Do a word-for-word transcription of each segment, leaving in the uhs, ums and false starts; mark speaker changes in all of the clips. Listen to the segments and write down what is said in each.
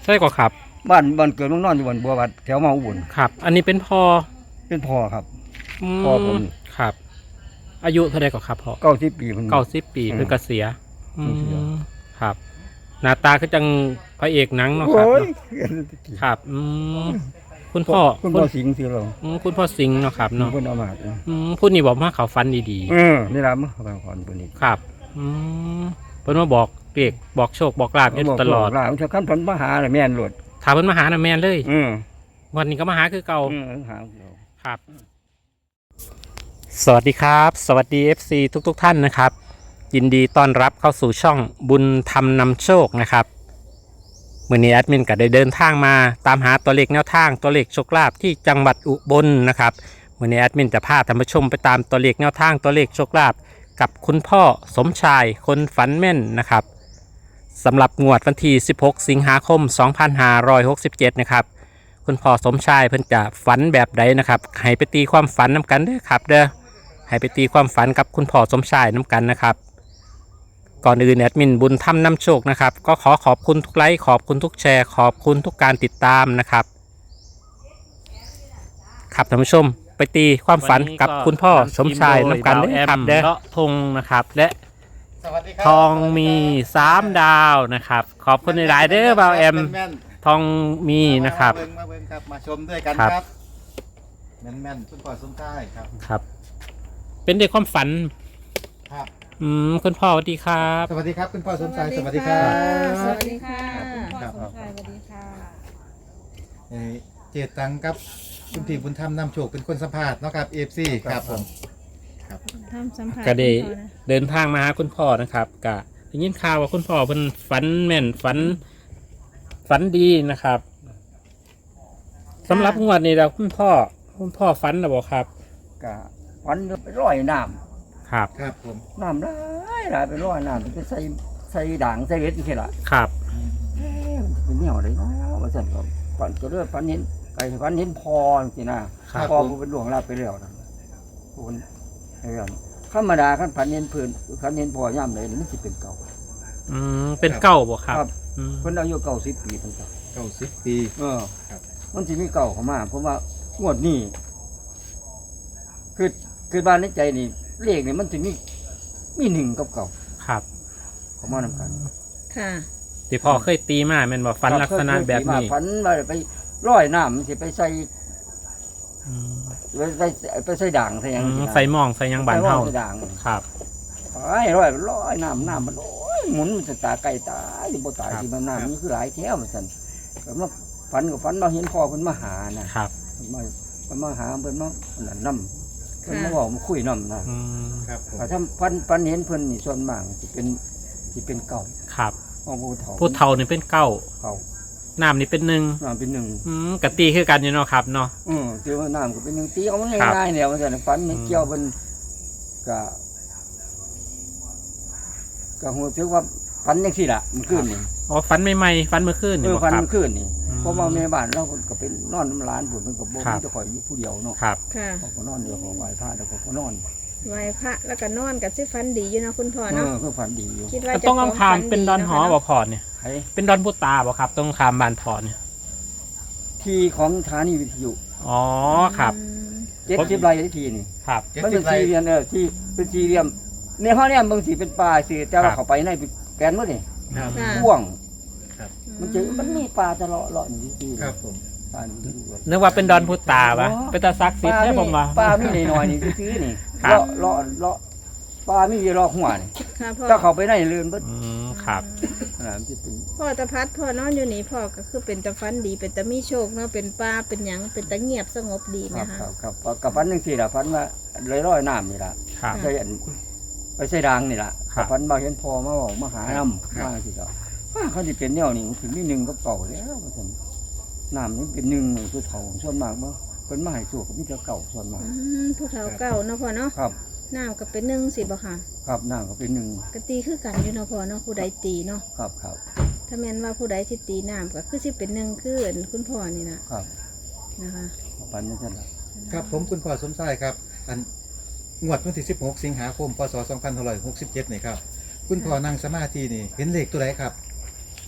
Speaker 1: ใช่ก็ครับ
Speaker 2: บ้านบ้านเกิดเมืองนอนอยู่บนบัววัดแถวมาอุบล
Speaker 1: ครับอันนี้เป็นพ่อ
Speaker 2: เป็นพ่อครับ
Speaker 1: อื
Speaker 2: พ่อผม
Speaker 1: มครับ อายุเท่าไรก็ครับพ่อ
Speaker 2: เก้าสิบปีเพิ่น
Speaker 1: เก้าสิบปี
Speaker 2: อืม
Speaker 1: เพิ่นเกษียณอื
Speaker 2: เกษียณ
Speaker 1: มครับ หน้าตาคือจังพระเอกหนังเนาะครับ
Speaker 2: โอ้ย
Speaker 1: เนาะครับอืมคุณพ่อ
Speaker 2: คุณพ่อสิงห์สิเรา
Speaker 1: อืมคุณพ่อสิงห์เนาะครับเนาะ
Speaker 2: คุณเอามา
Speaker 1: อืมพูดนี่บอกว่าเขาฟันดี
Speaker 2: เออนี่ล่ะมื้อเขาก่อนเพิ่นนี่
Speaker 1: ๆครับอืมเพิ่นมาบอกเด็กบอกโชคบอกลาภอยู่ตลอด
Speaker 2: ล่ะมันจะคันเพิ่นมาหาน่ะแม่นโลด
Speaker 1: ถามเพิ่นมาหาน่ะแม่นเลย
Speaker 2: อือ
Speaker 1: วันนี้ก็มาหาคือเก่า
Speaker 2: อือหา
Speaker 1: ครับ สวัสดีครับ สวัสดี เอฟ ซี ทุกๆทท่านนะครับ ยินดีต้อนรับเข้าสู่ช่องบุญธรรมนำโชคนะครับมื่อนี้แอดมินก็ได้เดินทางมาตามหาตัวเลขแนวทางตัวเลขโชคลาภที่จังหวัดอุบลนะครับมื่อนี้แอดมินจะพาท่านผู้ชมไปตามตัวเลขแนวทางตัวเลขโชคลาภกับคุณพ่อสมชายคนฝันแม่นนะครับสำหรับงวดวันที่สิบหกสิงหาคมสองพันห้าร้อยหกสิบเจ็ดนะครับคุณพ่อสมชายเพิ่นจะฝันแบบใดนะครับให้ไปตีความฝันน้ากันเด้อครับเด้อให้ไปตีความฝันกับคุณพ่อสมชายน้ากันนะครับก่อนอื่นแอดมินบุญธรรมนำโชคนะครับก็ขอขอบคุณทุกไลค์ขอบคุณทุกแชร์ขอบคุณทุกการติดตามนะครับครับท่านผู้ชมไปตีความฝันกับคุณพ่อสมชายน้ากันเด้อครับเด้อเลาะทงนะครับและทองมีสามดาวนะครับขอบคุณในหลายเด้อบ่าวแอมทองมีนะครับ
Speaker 3: มาเบิ่งมาเบิ่งครับมาชมด้วยกัน
Speaker 1: ครับ
Speaker 3: ครับแม่นแม่นๆคุณพ่อสมชายครับ
Speaker 1: ครับ เป็นเด็กความฝัน
Speaker 3: ครับ
Speaker 1: อืมคุณพ่อสวัสดีครับ
Speaker 3: สวัสดีครับคุณพ่อสมชายสวัสดีครับ
Speaker 4: สวัสดีค่ะคุณพ่อ
Speaker 3: ครับ
Speaker 4: สมชายสวัสดีค่ะ
Speaker 3: เอ่อเจตังกับคุณพี่บุญธรรมนำโชคเป็นคนสัมภาษณ์เนาะครับเอฟซีครับผม
Speaker 4: ทำสัมผัส
Speaker 1: ก็ได้
Speaker 4: คุณพ่อนะ
Speaker 1: เดินทางมาหาคุณพ่อนะครับกะได้ยินข่าวว่าคุณพ่อเป็นฝันแม่นฝันฝันดีนะครับสำหรับงวดนี้เราคุณพ่อคุณพ่อฝันหรือเปล่าครับ
Speaker 2: ก็ฝันไปร้อยน้ำ
Speaker 1: ครับ
Speaker 3: ครับผม
Speaker 2: น้ำหลายหลายไปร้อยน้ำไปใส่ใส่ด่างใส่เวทนี่แค่ละ
Speaker 1: ครับ
Speaker 2: เอ๊ะมันเป็นแนวอะไรเนาะว่าซั่นก็ฝันก็เลือฝันเห็นไก่ฝันเห็นพอจังซี่นะพอผู้เป็นหลวงลาไปแล้วนะผู้เป็นไอ้เรื่องธรรมดาคันฝันเห็นเพิ่นฝันเห็นพอย่ำเลยมันสิเป็นเก่า
Speaker 1: อืมเป็นเก้าบ่ครับ
Speaker 2: ครับ
Speaker 1: อืม
Speaker 2: เพิ่นอายุเก้าสิบปีตั้งแต่
Speaker 3: เก้าสิบปี
Speaker 2: เออ
Speaker 3: ครับ
Speaker 2: มันสิมีเก่าเข้ามาเพราะว่างวดนี้คือคือบ้านในใจนี่เลขนี่มันสิมีมีหนึ่งกับเก่า
Speaker 1: ครับ
Speaker 2: เข้ามานำกัน
Speaker 4: ค่ะ
Speaker 1: ที่พ่อเคยตีมาแม่นบ่ฝันลักษณะแบบนี้
Speaker 2: ฝันว่าไปร้อยน้ำมันสิไปใส่
Speaker 1: อืม
Speaker 2: ไปใส่ไปใส่ด่างใส่หยัง
Speaker 1: อืม
Speaker 2: สินะ
Speaker 1: ใส่หมองใส่หยังบานเฮา
Speaker 2: ใส่ด่าง
Speaker 1: ครับ
Speaker 2: ไอ้ร้อยร้อยน้ำน้ำมันโอ้ยหมุนมันจะตาไก่ตายสิบ่ตาย
Speaker 1: ครับ
Speaker 2: สิมันน้ำมันคือหลายแถวมันสั่นก็มาฝันกับฝันมาเห็นพ่อเพิ่นมาหานะครับ เพิ่นมาเพิ่นมาหาเพิ่นมาอันนั่นนำเพิ่นมาบอกมาคุยนำนะ
Speaker 1: อืม
Speaker 3: ครับผม
Speaker 2: ถ้าทำฝันฝันเห็นเพิ่นนี่ส่วนมากสิเป็นสิเป็นเก่า
Speaker 1: ครับ
Speaker 2: ของผู้เฒ่า
Speaker 1: ผู้เฒ่านี่เป็นเก้า
Speaker 2: เก่า
Speaker 1: น้ำนี่เป็นหนึ่ง
Speaker 2: น้ำเป็นหนึ่ง
Speaker 1: อืมกะตีคือกันอยู่เนาะครับเนาะ
Speaker 2: อือคือว่าน้ำก็เป็นหนึ่งตีเอามัน
Speaker 1: ครับ
Speaker 2: ง่ายๆเนี่ยว่าซั่นฝันเห็น
Speaker 1: อืม
Speaker 2: เกี่ยวเพิ่นก็ก็ฮู้สึกว่าฝันจังซี่ล่ะมันขึ้นนี่
Speaker 1: อ๋อฝันใหม่ๆฝันเมื่อคืน
Speaker 2: เอ
Speaker 1: นี่
Speaker 2: อ
Speaker 1: บ่
Speaker 2: ฟัน
Speaker 1: ครับ
Speaker 2: มันขึ้นนี่
Speaker 1: อืม
Speaker 2: เพราะว่าแม่บ้านเราก็เป็นนอนน้ำร้านผมมันก็บ่
Speaker 1: ครั
Speaker 2: มี
Speaker 1: บ
Speaker 2: จะคอยอยู่ผู้เดียวเนาะ
Speaker 1: ครับ
Speaker 4: ค่ะ
Speaker 2: เขาก็นอนเดียวของไหว้พระแล้วเขาก็นอน
Speaker 4: ไหว้พระแล้วก็นอนกับซิฟันดีอยู่เนาะคุณพ่อ
Speaker 2: เอ
Speaker 4: เนาะ
Speaker 2: อก็ฝันดีอยู่
Speaker 4: คิดว่า
Speaker 1: มัน
Speaker 4: จะ
Speaker 1: ต้องคำคามเป็นดอนหอบ่พอเนี่ย
Speaker 2: ใคร
Speaker 1: เป็นดอนพุตาบ่ครับต้องคามบานพอเนี่ย
Speaker 2: ที่ของสถานีวิทยุ
Speaker 1: อ๋อครับ
Speaker 4: อืม
Speaker 2: เจ็ดสิบไร่ที่ทีนี่
Speaker 1: ครับ
Speaker 3: เจ็ด
Speaker 2: มัน
Speaker 3: สิ
Speaker 2: เป็
Speaker 3: บ
Speaker 2: น
Speaker 3: ไร่
Speaker 2: สี่เหลี่ยมเออที่เป็นสี่เหลี่ยมในห้องเนี่ยบางสีเป็นป่าสีแต่ว่า
Speaker 1: ครับ
Speaker 2: เขาไปในเป็นแกนหมดนี่
Speaker 3: ครับ
Speaker 4: ค่ะ
Speaker 2: พ่วง
Speaker 3: ครับ
Speaker 2: มันจะมันมีป่าจะเลาะเลาะอยู่ที่
Speaker 3: ครับผม
Speaker 2: ป่านี่
Speaker 1: นึกว่าเป็นดอนพุตาปะเป็นตาซักซิด
Speaker 2: ป่า
Speaker 1: ใช่
Speaker 2: มี
Speaker 1: ผมว่า
Speaker 2: ป่ามีหน่อยๆนี่ซื้อๆนี่
Speaker 1: ครับ
Speaker 2: เลาะเลาะเลาะป่ามีอยู่เลาะหัวนี่
Speaker 4: ค่ะพ่อ
Speaker 2: ถ้าเขาไปในเรือนเบิด
Speaker 1: อืมครับ
Speaker 2: อ่ามันจะเป็น
Speaker 4: พ่อตะพัดพ่อนอนอยู่นี่พ่อก็คือเป็นตะฟันดีเป็นตะมีโชคเนาะเป็นป้าเป็นหยังเป็นตะเงียบสงบดี
Speaker 2: ค
Speaker 4: ไหม
Speaker 2: รับ
Speaker 4: คะ
Speaker 2: ครับครับกับฟันหนึ่งสี่ละฟันว่าเลยร้อยน้ำนี่ละ
Speaker 1: ครับ
Speaker 2: ใส่อันไปใส่ดังนี่ละ
Speaker 1: ครับ
Speaker 2: ฟันมาเห็นพอมาบอกมาหาน้ำมาสิครับว่าเขาจะเป็นแนวนี้ถึงนี่หนึ่งก็เก่าแล้วว่าซั่นน้ำนี่เป็นหนึ่งคือเถาส่วนมากบ่เป็นมาให้สู้กับมิตรเก่าส่วนมาก
Speaker 4: อืมผู้เฒ่าเก่าเนาะพ่อเนาะ
Speaker 2: ครับ
Speaker 4: น้ำก็เป็นหนึ่งสิบ่ค่ะ
Speaker 2: ครับน้ำก็เป็นหนึ่ง
Speaker 4: กตีคือกันอยู่เนาะพ่อเนาะผู้ใดตีเนาะ
Speaker 2: ครับครับ
Speaker 4: ถ้าแม่นว่าผู้ใดที่ตีน้ำก็คือสิเป็นหนึ่งคืออันคุณพ่อนี่นะครับ นะคะ
Speaker 2: ฟันนี่ซั่นละ
Speaker 3: ครับผมคุณพ่อสมชายครับอันงวดวันที่สิบหกสิงหาคมพศสองพันหกสิบเจ็ดนี่ครับคุณพ่อนั่งสมาธินี่เห็นเลขตัวไหนครับ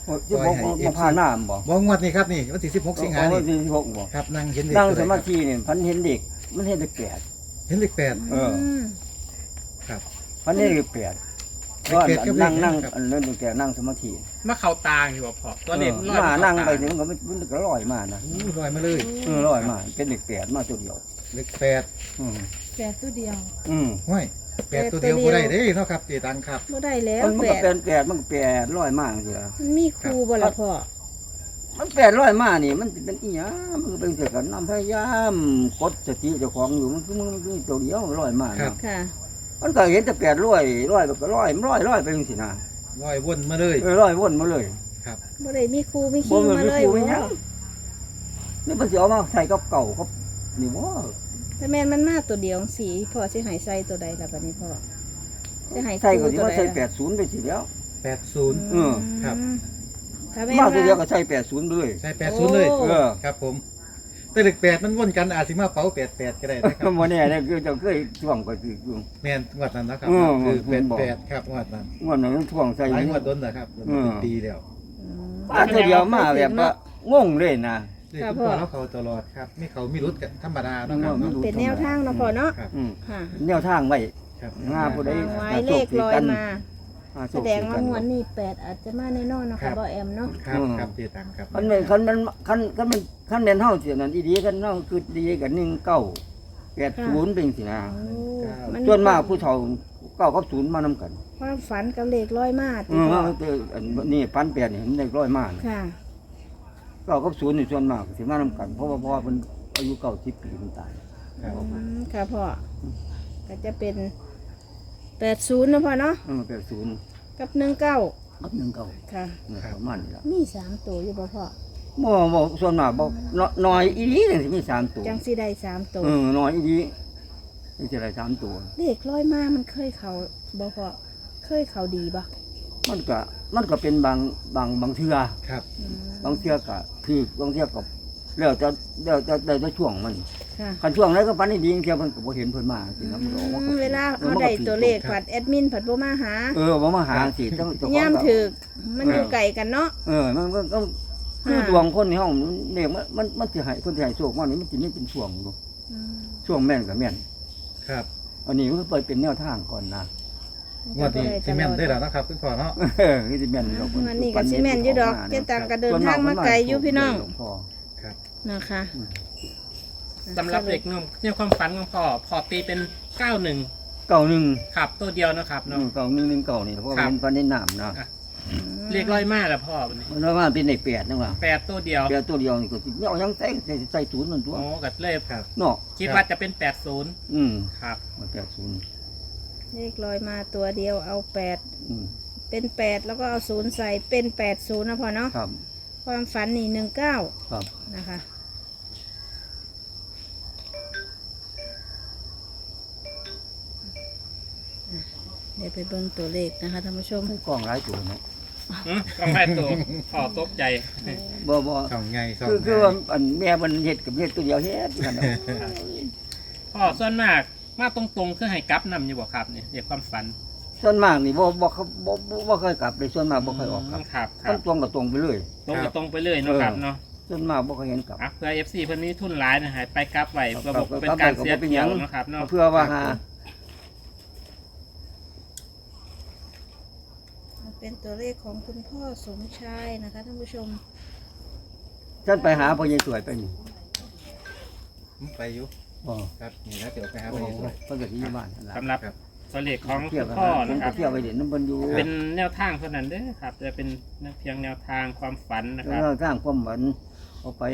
Speaker 2: สิบหกมาผ่านหน้าบ่
Speaker 3: บ่งวดนี้ครับนี่วันที่สิบหกสิงหา
Speaker 2: อ๋อ
Speaker 3: นี่
Speaker 2: สิบหกบ่
Speaker 3: ครับนั่งเห็นเด็ก
Speaker 2: นั่ง
Speaker 3: ตัว
Speaker 2: ส
Speaker 3: ใด
Speaker 2: มา
Speaker 3: ครับ
Speaker 2: ธินี่พันเห็นเด็กมันเห็นเด็กแปด
Speaker 3: เห็นเลขแปด
Speaker 2: เออ
Speaker 4: ม
Speaker 3: ครับ
Speaker 2: พันเห็นเด็กแปด
Speaker 3: เด็
Speaker 2: ก็
Speaker 3: กแปดกับเลข
Speaker 2: นั่งนั่ง
Speaker 3: ครับ
Speaker 2: อันนั้นเด็กแปดนั่งสมาธิ
Speaker 1: มาเข้าตางอยู่บ่พอตัวเด็ก
Speaker 2: เอ
Speaker 1: ล
Speaker 2: อ
Speaker 1: อย
Speaker 2: มา
Speaker 1: เข้
Speaker 2: นั่งไป
Speaker 1: ตา
Speaker 2: ถึงก็มันมันก็ลอยมานะ
Speaker 3: อู้ลอยมาเลย
Speaker 2: เออลอยมาเป็นเด็กแปดมาตัวเดียว
Speaker 3: เลขแปด
Speaker 2: อืม
Speaker 4: แปดตัวเดียว
Speaker 2: อืม
Speaker 3: ห้วยแปดตัวเดียว
Speaker 4: แปดตัว
Speaker 3: บ่
Speaker 4: เดี
Speaker 3: ได้
Speaker 4: ยว
Speaker 3: เด้เนาะครับเจตังครับ
Speaker 4: บ่ได้แล้ว
Speaker 2: มัน
Speaker 4: แป
Speaker 2: ก็
Speaker 4: ด
Speaker 2: เป็นแปดมันก็แปดลอยมาสิล่ะ
Speaker 4: มันมีครูบ่ล่ะพ่อ
Speaker 2: มันแปดร้อยมานี่มันสิเป็นอีหยังมันก็เป็นเกี่ยวกับน้ำพยายามกดสติเจ้าของอยู่มันคือมันคือตัวเดียวร้อยมา
Speaker 3: ครับ
Speaker 2: เนาะ
Speaker 4: ค่ะ
Speaker 2: มันก็เห็นแต่แปดร้อยร้อยแบบก็ร้อยมันร้อยร้อยไปจังซี่นะ
Speaker 3: ลอยวนมาเลย
Speaker 2: เออร้อยวนมาเลย
Speaker 3: ครับ
Speaker 4: บ่ได้มีครูมี
Speaker 2: บ่
Speaker 4: คิง
Speaker 2: มัน
Speaker 4: มา
Speaker 2: มี
Speaker 4: เลย
Speaker 2: ครู
Speaker 4: บ่
Speaker 2: มีหยังนี่มันสิเอามาใส่กับเก่าครับนี่บ่
Speaker 4: แต่แม่นมันมาตัวเดียวสีพ่อสิใหายใส่ตัวใดล่ะบัดนี้พ่อสิใหาย
Speaker 2: ใส่ก็
Speaker 4: ครู
Speaker 2: สิ
Speaker 4: ตัว
Speaker 2: มา
Speaker 4: ใด
Speaker 2: ใส่
Speaker 4: ล่ะ
Speaker 2: แปดศูนย์ไปสิแล้ว
Speaker 3: แปดศูนย์
Speaker 2: เออ
Speaker 3: ครับ
Speaker 4: ถ้าแม่น
Speaker 2: มาตัวเดียว
Speaker 4: ว่า
Speaker 2: ก็ใส่แปดศูนย์ไปเลย
Speaker 3: ใช่แปดศูนย์เลย
Speaker 4: โอ้
Speaker 2: เออ
Speaker 3: ครับผมแต่เลขแปดมันวนกันอาจสิมาเป๋าแปดแปดก็ได้นะครับ
Speaker 2: บ่แน่เนี่ยคือเจ้าเคยท่วงไปคืออยู่
Speaker 3: แม่นงวดนั้นนะครับ
Speaker 2: เออ
Speaker 3: คือ
Speaker 2: เห็
Speaker 3: แป
Speaker 2: น
Speaker 3: ด
Speaker 2: บอก
Speaker 3: แปดครับงวดนั้น
Speaker 2: งวดนั้นมันท่วงใส่
Speaker 3: หลาย
Speaker 2: นี่
Speaker 3: งวดต้นนะครับ
Speaker 2: เออ
Speaker 3: เป็นปีแล้ว
Speaker 4: อืม
Speaker 2: มาตัวเดียวมาแบบว่างงเลยนะ
Speaker 3: เลข
Speaker 4: ครับ
Speaker 3: คุณพ่อ
Speaker 4: พ่อ
Speaker 3: แล้วเขาตลอดครับมีเขามีรุดกันธรรมดาเนาะครับ
Speaker 2: อืม
Speaker 3: เนาะ
Speaker 4: เป็นแนวทางเนาะพ่อเนาะ
Speaker 3: ครับ
Speaker 2: อืม
Speaker 4: ค่ะ
Speaker 2: แนวทางไว้
Speaker 3: ครับ
Speaker 2: งาผู้ใด
Speaker 4: วางไว้เลขลอยมา
Speaker 2: อ่าโช
Speaker 4: แส
Speaker 2: ค
Speaker 4: ดงว่า
Speaker 2: กัน
Speaker 4: งวดนี้แปดอาจจะมาแน่นอนเนาะค่ะบ่แอมเนาะ
Speaker 3: ครับครับเจตังครับ
Speaker 2: คันเป็นคันเป็นคันคันเป็นคันเป็นเฮาสินั่นอีดีคันเฮาคือดีกันหนึ่งเก้าแปดศูนย์เป็นสินะ
Speaker 4: โอ้มัน
Speaker 2: ส่วนมากผู้เฒ่าเก้ากับศูนย์มานำกัน
Speaker 4: ความฝันกับเลขลอยมา
Speaker 2: เอ
Speaker 4: ติ
Speaker 2: อ
Speaker 4: พ่อ
Speaker 2: ว่าแต่อันนี้ปันแปดนี่เห็นได้ร้อยมาก
Speaker 4: ค่ะ
Speaker 2: เก้ากับศูนย์นี่ส่วนมากสิมานำกัน เพราะว่าพ่อเพิ่นอายุเก้าสิบปีเพิ่นตาย
Speaker 3: ครับ
Speaker 4: อืมค่ะพ่อก็จะเป็นแปดศูนย์นะพ่อเนาะ
Speaker 2: เออแปดศูนย์
Speaker 4: กับหนึ่งเก้า
Speaker 2: กับหนึ่งเก้า
Speaker 4: ค่ะ
Speaker 2: เนี่ยประมาณนี้ล่ะ
Speaker 4: มีสามตัวอยู่บ่พ่อ
Speaker 2: บ่บ่ส่วนมากบ่นน้อยอีดีจังสิมีสามตัว
Speaker 4: จังสิได้สามตัว
Speaker 2: เออน้อยอีดีนี่สิได้สามตัว
Speaker 4: เลขลอยมามันเคยเขาบ่พ่อเคยเขาดีบ่
Speaker 2: มันก็มันก็เป็นบางบางบางเทื่อ
Speaker 3: ครับ
Speaker 4: อืม
Speaker 2: บางเทื่อก็คือบางเทื่อก็แล้วจะแล้วจะได้แต่ช่วงมัน
Speaker 4: ค่ะ
Speaker 2: คันช่วงไหนก็ปันนี่ดีเที่ยวเพิ่นก็บ่เห็นเพิ่นมาสินะมันก็ออกมาก็
Speaker 4: เวลาเอาได้ตัวเลขผัดแอดมินผัดบ่มาหา
Speaker 2: เออบ่มาหาสิเจ้าเจ้าของ
Speaker 4: ย่าม
Speaker 2: ก็
Speaker 4: ถึกมันอยู่ไกลกันเนาะ
Speaker 2: เออมันก็ก็คือ
Speaker 4: ค่ะ
Speaker 2: ดวงคนในห้องเนี่ยมันมันมันสิให้เพิ่นสิให้โชคมานี่มันสิมีเป็นช่วงอยู่
Speaker 4: อืม
Speaker 2: ช่วงแม่นก็แม่น
Speaker 3: ครับ
Speaker 2: อันนี้มันก็เปิดเป็นแนวทางก่อนนะ
Speaker 3: งวดนี้ซีเมนต์ได้แล้วนะครับคุณพ่อเนาะ
Speaker 2: เออคือสิแม่นดอก
Speaker 4: วันนี้ก็สิแม่นอยู่ดอกเจ๊ตังก็เดินทางมาไกลอยู่พี่น้อง
Speaker 3: ครับ
Speaker 4: นะคะ
Speaker 1: สำหรับเด็กหนุ่มเนี่ยความฝันของพ่อพ่อตีเป็นเก้าหนึ่ง
Speaker 2: เก่าหนึ่ง
Speaker 1: ครับตัวเดียวนะครับเนาะ
Speaker 2: เก่าหนึ่งหนึ่งเก่านี่เพราะว่า
Speaker 1: ครับ
Speaker 2: เป็นปันในน้ำนะ
Speaker 1: อ่ะ เรียกร้อยมากแล้วพ่อวันนี้
Speaker 2: มันว่าเป็นในแปดนะว่า
Speaker 1: แปดตัวเดียว
Speaker 2: แปดตัวเดียวนี่ก็สิเอายังใส่ใส่ใส่ศูนย์มันตัว
Speaker 1: โอ้กัดเลย
Speaker 3: ครับ
Speaker 2: เนาะ
Speaker 1: คิดว่าจะเป็นแปดศูนย์
Speaker 2: อืม
Speaker 1: ครับ
Speaker 2: มันแปดศูนย์
Speaker 4: เลขลอยมาตัวเดียวเอาแปด
Speaker 2: อืม
Speaker 4: เป็นแปดแล้วก็เอาศูนย์ใส่เป็นแปดศูนย์นะพ่อเนาะ
Speaker 2: ครับ
Speaker 4: ความฝันนี่หนึ่งเก้า
Speaker 2: ครับ
Speaker 4: นะคะอ่ะเดี๋ยวไปเบิ่งตัวเลขนะคะท่านผู้ชม
Speaker 2: กล้องหลายตัวเนาะ
Speaker 1: อืมก็ไม่ตัวพ่อตกใจ
Speaker 2: บ่บ่
Speaker 3: สองไงสอง
Speaker 2: คือ
Speaker 3: ไง
Speaker 2: คือว่าอันแม่มันเฮ็ดกับเฮ็ดตัวเดียวเฮ็ดกันเนาะ
Speaker 1: พ่อส่วนมากมาตรงๆคือให้กลับนำอยู่บ่ครับเนี่ยเรียกความฝัน
Speaker 2: ส่วนมากนี่บ่บ่เขาบ่บ่บ่เคยกลับเลยส่วนมากบ่เคยออกครับ
Speaker 1: ครับค
Speaker 2: มั
Speaker 1: รั
Speaker 2: น
Speaker 1: บ
Speaker 2: ตรงกับตรงไปเลย
Speaker 1: ตรงไปตรงไปเลยเนาะครับเนาะ
Speaker 2: ส่วนมากบ่เคยเห็นกลับ
Speaker 1: อ่ะเพื่อ เอฟ ซี เพิ่นมีทุนหลายนะฮะไปกลับไว้
Speaker 2: ครับ
Speaker 1: ระบบ
Speaker 2: ครับ
Speaker 1: เป็นการ
Speaker 2: ครับ
Speaker 1: เสีย
Speaker 2: ครับ
Speaker 1: เที่ยวเนาะครับเนาะ
Speaker 2: เพื่อว่าหา
Speaker 4: เป็นตัวเลขของคุณพ่อสมชายนะคะท่านผู้ชม
Speaker 2: ฉันไปหาพ่อใหญ่สวยไปนี่
Speaker 3: ไปอยู่
Speaker 2: อ๋อ
Speaker 3: ครับนี่นะเดี๋ยวไปหา
Speaker 2: โอ้
Speaker 3: ไป
Speaker 2: โห
Speaker 3: ด้วย
Speaker 2: เพิ่นก็สิอยู่บ้านนั่นล่ะ
Speaker 1: สำหรับ
Speaker 3: ครับ
Speaker 1: ตัวเลขของ
Speaker 2: เที่
Speaker 1: คุ
Speaker 2: ยว
Speaker 1: ณ
Speaker 2: กัน
Speaker 1: พ่อ
Speaker 2: ผม
Speaker 1: นะค
Speaker 2: ก็
Speaker 1: รับ
Speaker 2: เที่ยวไปเด่นน้ำเพิ่นอยู่
Speaker 1: เป็นแนวทางเท่านั้นเด้อครับ จะเป็นเพียงแนวทางความฝันนะครับ
Speaker 2: แล้วสร้างความหวังเอาไป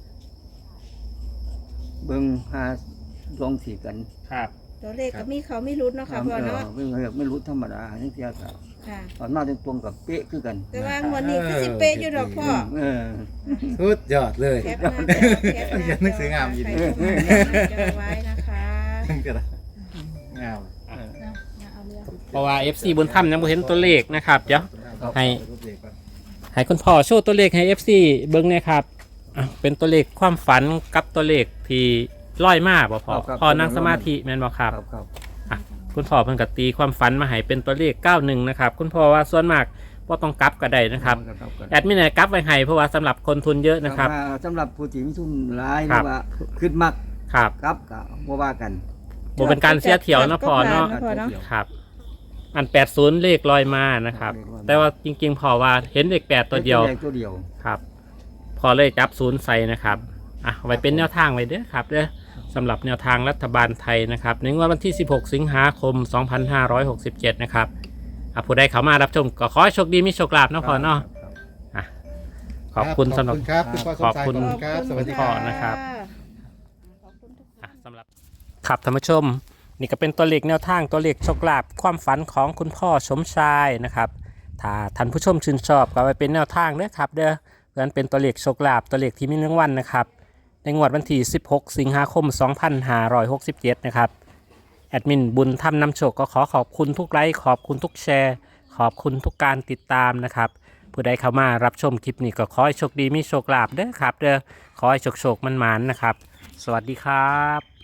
Speaker 2: เบิ่งหาลองสีกัน
Speaker 1: ครับ
Speaker 4: ตัวเลขก็มีเขาไม่รุดเนาะค่ะพ่อเนาะ
Speaker 2: เออไม่รู้ธรรมดาทั้งเที่ยวกับ
Speaker 4: ค่ะ
Speaker 2: ตอนมาตรงๆกับเป๊ะคือกัน
Speaker 4: แต่ว่าวันนี้คือสิเป๊ะอยู่ดอกพ่อ
Speaker 2: เออ
Speaker 3: สุดยอดเลย
Speaker 4: แคปหน้าจอแคปหน้าจอ
Speaker 3: อย่านึกถึงงามอยู่ดิ
Speaker 4: ใครชมก็ไว้นะคะ
Speaker 3: ก็ได้งาม
Speaker 4: เนาะอย่าเอาเรื่อง
Speaker 1: เพราะว่า เอฟ ซี บนถ้ำยังบ่เห็นตัวเลขนะครับเดี๋ยว ให้ ให้คุณพ่อโชว์ตัวเลขให้ เอฟ ซี เบิ่งหน่อยครับอ่ะเป็นตัวเลขความฝันกับตัวเลขที่ร้อยมาบ่พอพอนั่งสมาธิแม่นบ่ครับ
Speaker 2: ครับครับ
Speaker 1: คุณพ่อเพิ่นก็ตีความฝันมาให้เป็นตัวเลขเก้าหนึ่งนะครับคุณพ่อว่าส่วนมากว่าต้องกลับก็ได้นะครับ
Speaker 2: ครับครับ
Speaker 1: แอดมินเนี่ยกลับไว้ให้เพราะว่าสำหรับคนทุนเยอะนะครับ
Speaker 2: ว่าสำหรับผู้ที่มีทุนหลายห
Speaker 1: ครั
Speaker 2: รื
Speaker 1: บ
Speaker 2: อว่าขึ้นมัก
Speaker 1: ครับ
Speaker 2: ครับก็บ่ว่ากัน
Speaker 1: บ่เป็นการเสียเที่ยวนะพอเนาะ
Speaker 4: ก็ผ่านนะพอเนาะ
Speaker 1: ครับ อันแปดสิบเลขลอยมานะครับ แต่ว่าจริงๆพอว่าเห็นเลขแปดตัวเดียว
Speaker 2: เลขตัวเดียว
Speaker 1: ครับ พอเลยจับศูนย์ใส่นะครับอ่ะเอาไว้เป็นแนวทางไว้เด้อครับเด้อสำหรับแนวทางรัฐบาลไทยนะครับในงวดวันที่สิบหกสิงหาคมสองพันห้าร้อยหกสิบเจ็ดนะครับอ่ะผู้ใดเข้ามารับชมก็ขอให้โชคดีมีโชคลาภเนาะพอเนาะ
Speaker 2: ครับ
Speaker 1: ขอบคุณสำหรับ
Speaker 3: ขอบคุณครับคุณพ่อสมชาย
Speaker 1: ขอบคุณ
Speaker 3: ขอบคุณครับสวัสดีค
Speaker 1: พ่
Speaker 3: รั
Speaker 1: อบ นะครับ
Speaker 4: ขอบคุณทุกคน
Speaker 1: อ่ะสำหรับครับท่านผู้ชมนี่ก็เป็นตัวเลขแนวทางตัวเลขโชคลาภความฝันของคุณพ่อสมชายนะครับถ้าท่านผู้ชมชื่นชอบก็ไว้เป็นแนวทางเด้อครับเด้อเพื่อนเป็นตัวเลขโชคลาภตัวเลขที่มีรางวัลนะครับในงวดวันที่สิบหกสิงหาคมสองพันห้าร้อยหกสิบเจ็ดนะครับแอดมินบุญทำนำโชคก็ขอขอบคุณทุกไลค์ขอบคุณทุกแชร์ขอบคุณทุกการติดตามนะครับผู้ใดเข้ามารับชมคลิปนี้ก็ขอให้โชคดีมีโชคลาภเด้อครับเด้อขอให้โชคโชคมันๆนะครับสวัสดีครับ